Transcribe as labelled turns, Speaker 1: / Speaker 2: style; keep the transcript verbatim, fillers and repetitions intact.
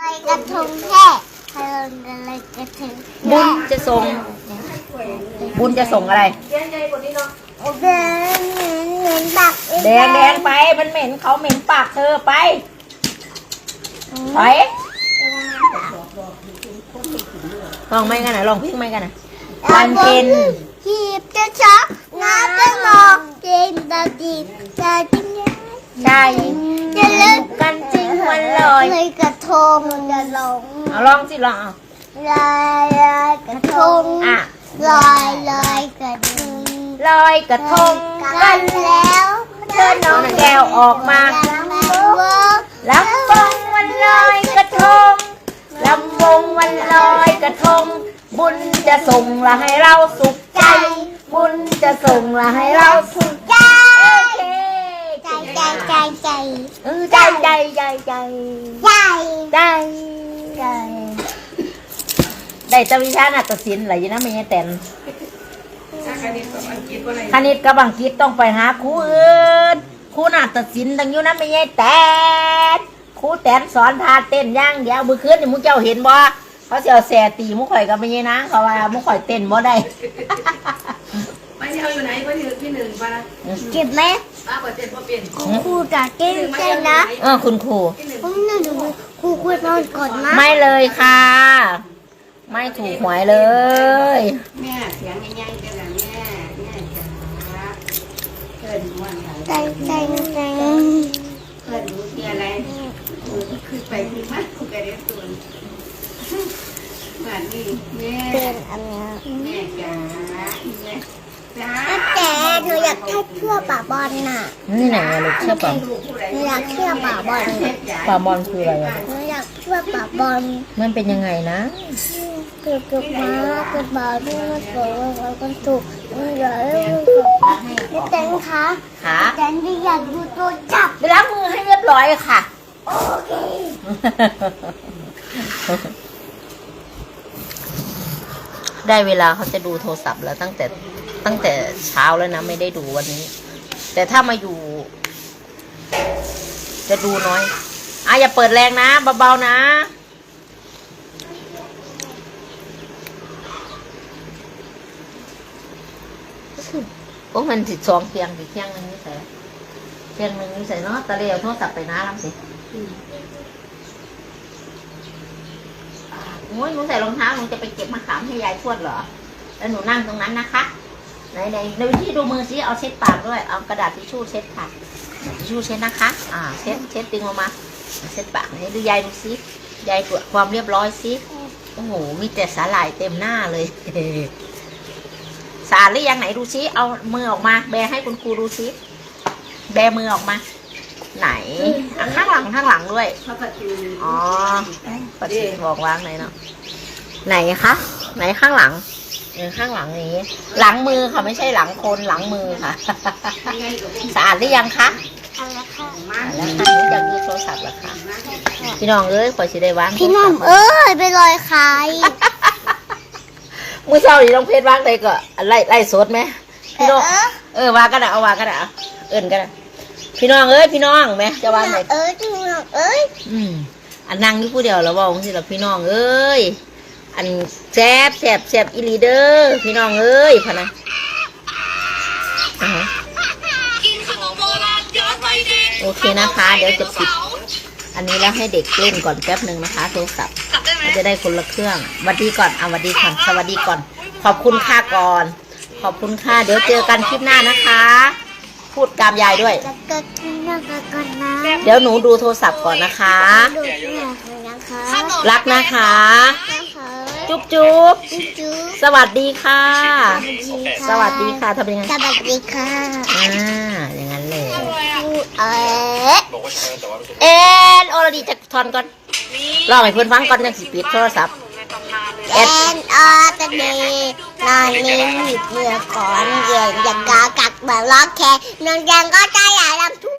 Speaker 1: อยกระทงแค่พลังกันเลยกระทง
Speaker 2: บุญจะส่ง บุญจะส่งอะไร
Speaker 1: โอเคเหม็นเหม็นบัก
Speaker 2: แดงแดงไป มันเหม็นเขาเหม็นปากเธอไปไปลองไม่กันนะลองพิ้งไม่กันนะวันเพ็ญ
Speaker 1: หีบจะช็อกน้ำจะหมอกเย็นตาดีจะจิ้ง
Speaker 2: ใช่จะเลิกกันจริงวันลอย
Speaker 1: เลยกระทงจะลง
Speaker 2: เอาลองสิลองเอา
Speaker 1: ลอยลอยกระทง
Speaker 2: อ่ะ
Speaker 1: ลอยลอยกระทง
Speaker 2: ลอยกระทง
Speaker 1: กั
Speaker 2: กัน
Speaker 1: นแล้ว
Speaker 2: เชิญน้องแก้วออกมา ลำวงวันลอยกระทงลำวงวันลอยกระทง บุญจะส่งละให้เราสุขใจ บุญจะส่งละให้เราสุข
Speaker 1: ใจ
Speaker 2: ใจ
Speaker 1: ใจใจใจ
Speaker 2: เออใจใจใจใจ
Speaker 1: ใจ
Speaker 2: ใจ
Speaker 1: ใจ
Speaker 2: ได้แตวิชานาฏศิลป์อะไรอยู่นะไม่ใช่แต่นคณิตกับอังกฤษต้องไปหาครูอื่นครูนาฏศิลป์ตั้งอยู่นะไม่ใช่แต่นครูแตนสอนท่าเต้นย่างเดียวมือคืนนี่มุกเจ้าเห็นบ่เขาเสียวแสตีมุกข่อยกับไม่ใช่นะเขาว่ามุกข่อยเต้นบ่ได้
Speaker 3: ไม่ใช่เอาอยู่ไหนก็ที่ที่หนึ่งปะนะ
Speaker 1: เก็บไหม
Speaker 3: ป้าเปิดเจ็ดพอเปลี่ยน
Speaker 1: ครูจะเก่งใจนะ
Speaker 2: เออคุณครู
Speaker 1: ผมน่าดูครูควรนอนก่อนนะ
Speaker 2: ไม่เลยค่ะ ไม่ถูกหวยเลย
Speaker 3: แม่เสียงง่ายๆกันนะแม่แม่จ๋าเพื่อนวันไหน
Speaker 1: ใจใจใจ
Speaker 3: เพื่อนรู้ที่อะไรคือไปที่มากกูกระเด็นตัวแบบนี้แม่
Speaker 1: เป็นอันนี้
Speaker 3: แม่จ๋าแม่จ๋า
Speaker 1: แต่หนูอยากแค่เชื่อป่าบอลน่ะ
Speaker 2: นี่ไหนอะลูกเชื่อป่ะ
Speaker 1: หนูอยากเชื่อป่าบอล
Speaker 2: ป่าบอลคืออะไรอะ
Speaker 1: หนูอยากเชื่อป่าบอล
Speaker 2: มันเป็นยังไงนะ
Speaker 1: เกิดกับม้าเกิดบาด้วยมันเกิดอะไรกันถูกมันใหญ่ไม่แตงคะ
Speaker 2: ค่ะ
Speaker 1: แตงที่อยากดูตัวจับ
Speaker 2: ไปล้างมือให้เรียบร้อยค่ะ
Speaker 1: โอเค
Speaker 2: ได้เวลาเขาจะดูโทรศัพท์แล้วตั้งแต่ตั้งแต่เช้าแล้วนะไม่ได้ดูวันนี้ แต่ถ้ามาอยู่ จะดูน้อยอ่ะอย่าเปิดแรงนะเบาๆนะโอ้มันสิสองเพียงสิเพียงหนึงนี่ใส่เพียงหนึงนี่ใส่เนาะตะเลียวโทรศัพท์ไปนะลำสิโอ้ยหนูใส่รองเท้าหนูจะไปเก็บมะขามให้ยายทวดเหรอแล้วหนูนั่งตรงนั้นนะคะไหนไหนในวิธีดูมือซิเอาเช็ดปากด้วยเอากระดาษทิชชู่เช็ดค่ะทิชชู่เช็ดนะคะ อ่าเช็ดเช็ดดึงออกมาเช็ดปากไหนดูยายดูซิยายตรวจความเรียบร้อยซิโอ้โหมีแต่สาหร่ายเต็มหน้าเลย สาดหรือยังไหนดูซิเอามือออกมาแบให้คุณครูดูซิแบมือออกมา ไหนอ่ะข้างหลังข้างหลังด้วย
Speaker 3: พระปฏิ
Speaker 2: อ๋อปฏิบอกวางไหนเนาะไหนคะไหนข้างหลังเออข้างหลังนี้ หลังมือค่ะไม่ใช่หลังคนหลังมือค่ะ สะอาดหรือยังคะ
Speaker 1: เอาละค่ะ
Speaker 2: อ่าแล้วค่ะหนูอยากดูโทรศัพท์เหรอคะพี่น้องเอ้ยขอสิได้วาง
Speaker 1: พี่น้องเอ้ยไปลอยใคร
Speaker 2: มือเช้าดิน้องเพชรวางไหนก็ไล่ไล่สดไหมพี่น้องเออวางกันนะเอาวางกันนะเอาเอิญกันนะพี่น้องเอ้ยพี่น้องไหมจะวางไหน
Speaker 1: เอ้ยพี่น้องเอ้ย
Speaker 2: อืมอันนั่งอยู่ผู้เดียวแล้วบอกสิล่ะพี่น้องเอ้ยอันแซบแซบแซบอีหลีเดอร์พี่น้องเอ้ยพะนะอ่าฮะโอเคนะคะ เดี๋ยวจะปิดอันนี้แล้วให้เด็กเล่นก่อนแป๊บหนึ่งนะคะโทรศัพท์จะได้คนละเครื่องสวัสดีก่อนเอาสวัสดีก่อนสวัสดีก่อน ขอบคุณค่าก่อน ขอบคุณค่าเดี๋ยวเจอกันคลิปหน้านะคะ พูดกามยายด้วย
Speaker 1: จะเกิดขึ้นนะเกิดก่อนนะ
Speaker 2: เดี๋ยวหนูดูโทรศัพท์ก่อนนะคะ
Speaker 1: ดูที่ไหนของนะคะ
Speaker 2: รักนะคะ
Speaker 1: นะคะ
Speaker 2: จุ๊บจุ๊บ
Speaker 1: จุ๊บ
Speaker 2: สวัสดีค่ะ
Speaker 1: สวัสดีค่ะ
Speaker 2: สวัสดีค่ะทำยังไง
Speaker 1: สวัสดีค่ะ
Speaker 2: อ่าอย่างนั้นเลย
Speaker 1: เอ๊ะ
Speaker 2: เอ็นโอรดีจะทอนก่อนรอให้เพื่อนฟังก่อนยังสิปิดโทรศัพท์
Speaker 1: แอนออตเดย์นอนนิ่งหยิบเมื่อก่อนเย็นอย่างกากักแบบล็อกแค่นอนยังก็ใจใหญ่ลำทุก